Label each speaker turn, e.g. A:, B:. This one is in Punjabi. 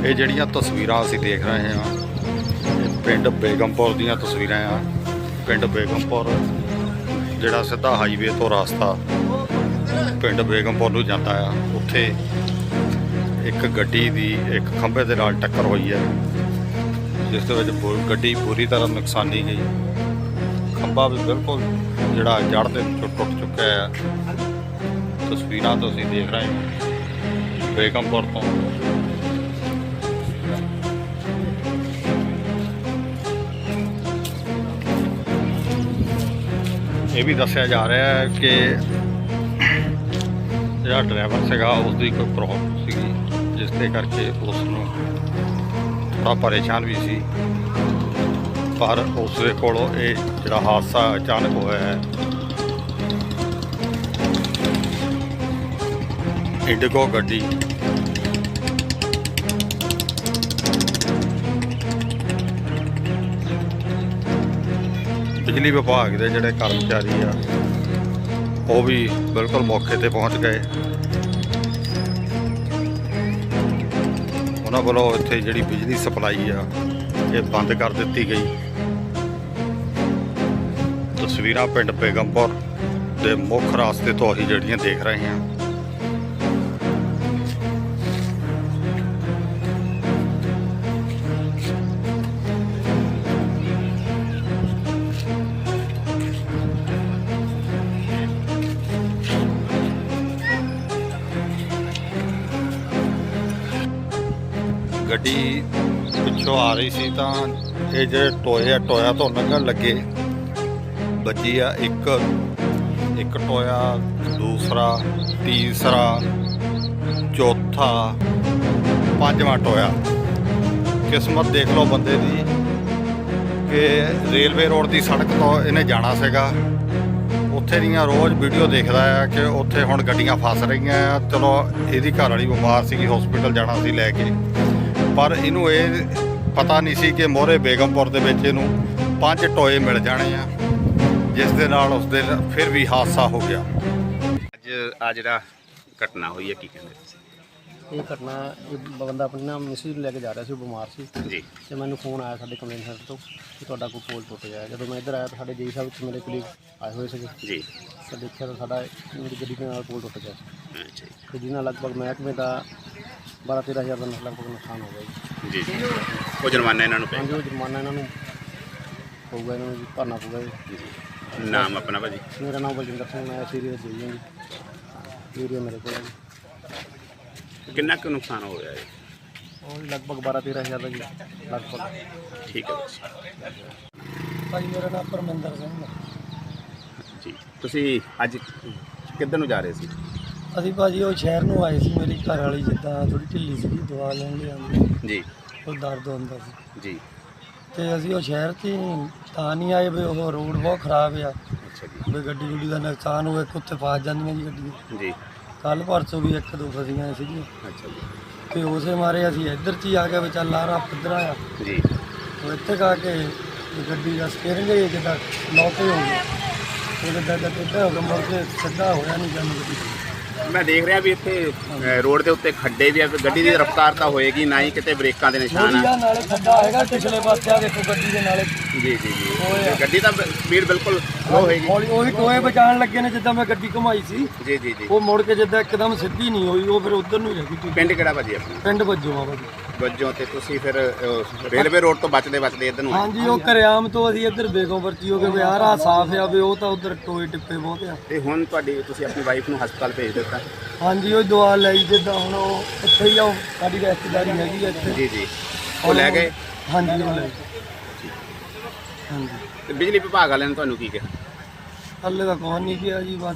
A: ਇਹ ਜਿਹੜੀਆਂ ਤਸਵੀਰਾਂ ਅਸੀਂ ਦੇਖ ਰਹੇ ਹਾਂ ਇਹ ਪਿੰਡ ਬੇਗਮਪੁਰ ਦੀਆਂ ਤਸਵੀਰਾਂ ਆ। ਪਿੰਡ ਬੇਗਮਪੁਰ ਜਿਹੜਾ ਸਿੱਧਾ ਹਾਈਵੇ ਤੋਂ ਰਸਤਾ ਪਿੰਡ ਬੇਗਮਪੁਰ ਨੂੰ ਜਾਂਦਾ ਆ, ਉੱਥੇ ਇੱਕ ਗੱਡੀ ਦੀ ਇੱਕ ਖੰਭੇ ਦੇ ਨਾਲ ਟੱਕਰ ਹੋਈ ਹੈ, ਜਿਸ ਦੇ ਵਿੱਚ ਗੱਡੀ ਪੂਰੀ ਤਰ੍ਹਾਂ ਨੁਕਸਾਨੀ ਗਈ। ਖੰਭਾ ਵੀ ਬਿਲਕੁਲ ਜਿਹੜਾ ਜੜ੍ਹ ਦੇ ਵਿੱਚੋਂ ਟੁੱਟ ਚੁੱਕਿਆ ਹੈ। ਤਸਵੀਰਾਂ ਤੁਸੀਂ ਦੇਖ ਰਹੇ ਹੋ ਬੇਗਮਪੁਰ ਤੋਂ। ਇਹ ਵੀ ਦੱਸਿਆ ਜਾ ਰਿਹਾ ਹੈ ਕਿ ਜਿਹੜਾ ਡਰਾਈਵਰ ਸੀਗਾ ਉਸ ਦੀ ਕੋਈ ਪ੍ਰੋਬਲਮ ਸੀਗੀ, ਜਿਸ ਦੇ ਕਰਕੇ ਉਸ ਨੂੰ ਥੋੜ੍ਹਾ ਪਰੇਸ਼ਾਨ ਵੀ ਸੀ, ਪਰ ਉਸ ਦੇ ਕੋਲੋਂ ਇਹ ਜਿਹੜਾ ਹਾਦਸਾ ਅਚਾਨਕ ਹੋਇਆ ਹੈ। ਇੰਡੀਗੋ ਗੱਡੀ ਬਿਜਲੀ ਵਿਭਾਗ ਦੇ ਜਿਹੜੇ ਕਰਮਚਾਰੀ ਆ ਉਹ ਵੀ ਬਿਲਕੁਲ ਮੌਕੇ ਤੇ ਪਹੁੰਚ ਗਏ। ਉਹਨਾਂ ਵੱਲੋਂ ਇੱਥੇ ਜਿਹੜੀ ਬਿਜਲੀ ਸਪਲਾਈ ਆ ਇਹ ਬੰਦ ਕਰ ਦਿੱਤੀ ਗਈ। ਤਸਵੀਰਾਂ ਪਿੰਡ ਬੇਗਮਪੁਰ ਦੇ ਮੁੱਖ ਰਾਸਤੇ ਤੋਂ ਅਸੀਂ ਜਿਹੜੀਆਂ ਦੇਖ ਰਹੇ ਹਾਂ। ਗੱਡੀ ਪਿੱਛੋਂ ਆ ਰਹੀ ਸੀ ਤਾਂ ਇਹ ਜਿਹੜੇ ਟੋਇਆ ਤੋਂ ਲੰਘਣ ਲੱਗੇ ਵੱਜੀ ਆ। ਇੱਕ ਟੋਇਆ, ਦੂਸਰਾ, ਤੀਸਰਾ, ਚੌਥਾ, ਪੰਜਵਾਂ ਟੋਇਆ। ਕਿਸਮਤ ਦੇਖ ਲਓ ਬੰਦੇ ਦੀ ਕਿ ਰੇਲਵੇ ਰੋਡ ਦੀ ਸੜਕ ਤੋਂ ਇਹਨੇ ਜਾਣਾ ਸੀਗਾ। ਉੱਥੇ ਦੀਆਂ ਰੋਜ਼ ਵੀਡੀਓ ਦੇਖਦਾ ਆ ਕਿ ਉੱਥੇ ਹੁਣ ਗੱਡੀਆਂ ਫਸ ਰਹੀਆਂ ਆ। ਚਲੋ ਇਹਦੀ ਘਰ ਵਾਲੀ ਬਿਮਾਰ ਸੀਗੀ, ਹਸਪੀਟਲ ਜਾਣਾ ਸੀ ਲੈ ਕੇ, ਪਰ ਇਹਨੂੰ ਇਹ ਪਤਾ ਨਹੀਂ ਸੀ ਕਿ ਮੋਹਰੇ ਬੇਗਮਪੁਰ ਦੇ ਵਿੱਚ ਇਹਨੂੰ 5 ਟੋਏ ਮਿਲ ਜਾਣੇ ਆ, ਜਿਸ ਦੇ ਨਾਲ ਉਸ ਦੇ ਫਿਰ ਵੀ ਹਾਦਸਾ ਹੋ ਗਿਆ।
B: ਅੱਜ ਆ ਜਿਹੜਾ ਘਟਨਾ ਹੋਈ ਹੈ ਕੀ ਕਹਿੰਦੇ ਤੁਸੀਂ?
C: ਇਹ ਘਟਨਾ ਇਹ ਬੰਦਾ ਆਪਣੀ ਨਾ ਮਿਸਿਸ ਨੂੰ ਲੈ ਕੇ ਜਾ ਰਿਹਾ ਸੀ, ਉਹ ਬਿਮਾਰ ਸੀ
B: ਜੀ।
C: ਤੇ ਮੈਨੂੰ ਫੋਨ ਆਇਆ ਸਾਡੇ ਕੰਪਲੇਂਟ ਸੈਂਟਰ ਤੋਂ ਕਿ ਤੁਹਾਡਾ ਕੋਈ ਪੋਲ ਟੁੱਟ ਗਿਆ। ਜਦੋਂ ਮੈਂ ਇੱਧਰ ਆਇਆ ਤਾਂ ਸਾਡੇ ਜੀ ਸਾਹਿਬ ਵਿੱਚ ਮੇਰੇ ਕਲੀਗ ਆਏ ਹੋਏ ਸੀਗੇ
B: ਜੀ।
C: ਤਾਂ ਦੇਖਿਆ ਤਾਂ ਸਾਡਾ ਮੇਰੀ ਗੱਡੀ ਦੇ ਨਾਲ ਪੋਲ ਟੁੱਟ ਗਿਆ ਸੀ।
B: ਅੱਛਾ
C: ਤੇ ਜਿਹਨਾਂ ਲਗਭਗ ਮਹਿਕਮੇ ਦਾ 12-13 ਹਜ਼ਾਰ ਦਾ ਲਗਭਗ ਨੁਕਸਾਨ ਹੋ ਗਿਆ
B: ਜੀ। ਜੀ ਉਹ ਜੁਰਮਾਨਾ ਇਹਨਾਂ ਨੂੰ
C: ਹਾਂਜੀ, ਉਹ ਜੁਰਮਾਨਾ ਇਹਨਾਂ ਨੂੰ ਪਊਗਾ, ਇਹਨਾਂ ਨੂੰ ਭਰਨਾ ਪਊਗਾ ਜੀ।
B: ਨਾਮ ਆਪਣਾ ਭਾਜੀ?
C: ਮੇਰਾ ਨਾਮ ਬਲਜਿੰਦਰ ਸਿੰਘ, ਮੈਂ ਇਸ ਏਰੀਆ ਦਾ ਜੀ ਹਾਂ ਜੀ। ਏਰੀਆ ਮੇਰੇ ਕੋਲ ਹੈ ਜੀ।
B: ਕਿੰਨਾ ਕੁ ਨੁਕਸਾਨ ਹੋ ਗਿਆ ਹੈ?
C: ਉਹ ਲਗਭਗ 12-13 ਹਜ਼ਾਰ ਦਾ ਜੀ ਲਗਭਗ।
B: ਠੀਕ ਹੈ
C: ਭਾਜੀ ਮੇਰਾ ਨਾਮ ਪਰਮਿੰਦਰ ਸਿੰਘ ਹੈ
B: ਜੀ। ਤੁਸੀਂ ਅੱਜ ਕਿੱਧਰ ਨੂੰ ਜਾ ਰਹੇ ਸੀ?
C: ਅਸੀਂ ਭਾਜੀ ਉਹ ਸ਼ਹਿਰ ਨੂੰ ਆਏ ਸੀ। ਮੇਰੀ ਘਰ ਵਾਲੀ ਜਿੱਦਾਂ ਥੋੜੀ ਢਿੱਲੀ ਸੀ, ਦਵਾ ਲੈਣ ਲਈ ਆਉਂਦੀ
B: ਜੀ।
C: ਉਹ ਦਰਦ ਹੁੰਦਾ ਸੀ
B: ਜੀ।
C: ਤੇ ਅਸੀਂ ਉਹ ਸ਼ਹਿਰ 'ਚ ਤਾਂ ਨਹੀਂ ਆਏ ਵੀ ਉਹ ਰੋਡ ਬਹੁਤ ਖਰਾਬ ਆ,
B: ਅੱਛਾ ਜੀ।
C: ਵੀ ਗੱਡੀ ਦਾ ਨੁਕਸਾਨ ਹੋਵੇ, ਉੱਥੇ ਫਸ ਜਾਂਦੀਆਂ ਜੀ ਗੱਡੀਆਂ।
B: ਜੀ।
C: ਕੱਲ੍ਹ ਪਰਸੋਂ ਵੀ 1-2 ਫਸੀਆਂ ਸੀਗੀਆਂ
B: ਅੱਛਾ ਜੀ।
C: ਤੇ ਉਸੇ ਮਾਰੇ ਅਸੀਂ ਇੱਧਰ 'ਚ ਹੀ ਆ ਗਏ ਵੀ ਚੱਲ ਆ ਰਾ ਪੱਧਰਾ ਆ।
B: ਜੀ।
C: ਉਹ ਇੱਥੇ ਕਾ ਕੇ ਗੱਡੀ ਦਾ ਸਟੀਅਰਿੰਗ ਹੀ ਜਿੱਦਾਂ ਲੋਕ ਹੀ ਹੋ ਗਿਆ, ਉਹ ਜਿੱਦਾਂ ਟੇਢਾ ਹੋ ਗਿਆ, ਮੁੜ ਕੇ ਸਿੱਧਾ ਹੋਇਆ ਨਹੀਂ ਜਾਂਦੀ ਗੱਡੀ।
B: ਮੈਂ ਦੇਖ ਰਿਹਾ ਵੀ ਇੱਥੇ ਰੋਡ ਦੇ ਉੱਤੇ ਖੱਡੇ ਵੀ ਆ, ਗੱਡੀ ਦੀ ਰਫ਼ਤਾਰ ਤਾਂ ਹੋਏਗੀ ਨਾ ਹੀ, ਕਿਤੇ ਬ੍ਰੇਕਾਂ ਦੇ ਨਿਸ਼ਾਨ ਆ।
C: ਨਾਲੇ ਖੱਡਾ ਹੈਗਾ ਪਿਛਲੇ ਪਾਸੇ, ਆ ਦੇਖੋ ਗੱਡੀ ਦੇ ਨਾਲੇ।
B: ਜੀ ਜੀ ਜੀ। ਗੱਡੀ ਤਾਂ ਸਪੀਡ ਬਿਲਕੁਲ ਲੋ ਹੋਏਗੀ।
C: ਹੌਲੀ ਉਹੀ ਟੋਏ ਬਚਾਉਣ ਲੱਗੇ ਨੇ, ਜਿੱਦਾਂ ਮੈਂ ਗੱਡੀ ਘੁਮਾਈ ਸੀ
B: ਜੀ ਜੀ ਜੀ।
C: ਉਹ ਮੁੜ ਕੇ ਜਿੱਦਾਂ ਇੱਕਦਮ ਸਿੱਧੀ ਨਹੀਂ ਹੋਈ, ਉਹ ਫਿਰ ਉਧਰ ਨੂੰ ਹੀ ਰਹਿ ਗਈ।
B: ਪਿੰਡ ਕਿਹੜਾ ਭਾਜੀ ਆਪਣਾ?
C: ਪਿੰਡ ਵੱਜੋਂ ਆ ਭਾਜੀ।
B: ਵੱਜੋਂ ਤੇ ਤੁਸੀਂ ਫਿਰ ਰੇਲਵੇ ਰੋਡ ਤੋਂ ਬਚਦੇ ਇੱਧਰ ਨੂੰ?
C: ਹਾਂਜੀ, ਉਹ ਘਰਿਆਮ ਤੋਂ ਅਸੀਂ ਇੱਧਰ ਬੇਗਮਪੁਰ ਚ ਹੋ ਗਏ ਵੀ ਆਹ ਰਾਹ ਸਾਫ਼ ਆ, ਵੀ ਉਹ ਤਾਂ ਉਧਰ ਟੋਏ ਟਿੱਪੇ ਬਹੁਤ ਆ।
B: ਤੇ ਹੁਣ ਤੁਸੀਂ ਆਪਣੀ ਵਾਈਫ ਨੂੰ ਹਸਪਤਾਲ ਭੇਜ ਦਿੱਤਾ?
C: ਹਾਂਜੀ, ਉਹ ਦਵਾ ਲਈ ਜਿੱਦਾਂ ਹੁਣ ਉਹ ਇੱਥੇ ਹੀ ਆ, ਉਹ ਸਾਡੀ ਰਿਸ਼ਤੇਦਾਰੀ ਹੈਗੀ ਆ ਇੱਥੇ।
B: ਜੀ ਜੀ। ਉਹ ਲੈ ਗਏ?
C: ਹਾਂਜੀ, ਉਹ ਲੈ ਹਾਂਜੀ।
B: ਤੇ ਬਿਜਲੀ ਵਿਭਾਗ ਵਾਲਿਆਂ ਨੇ ਤੁਹਾਨੂੰ ਕੀ ਕਿਹਾ?
C: ਹੱਲੇ ਤਾਂ ਕੋਈ ਨਹੀਂ ਕਿਹਾ ਜੀ।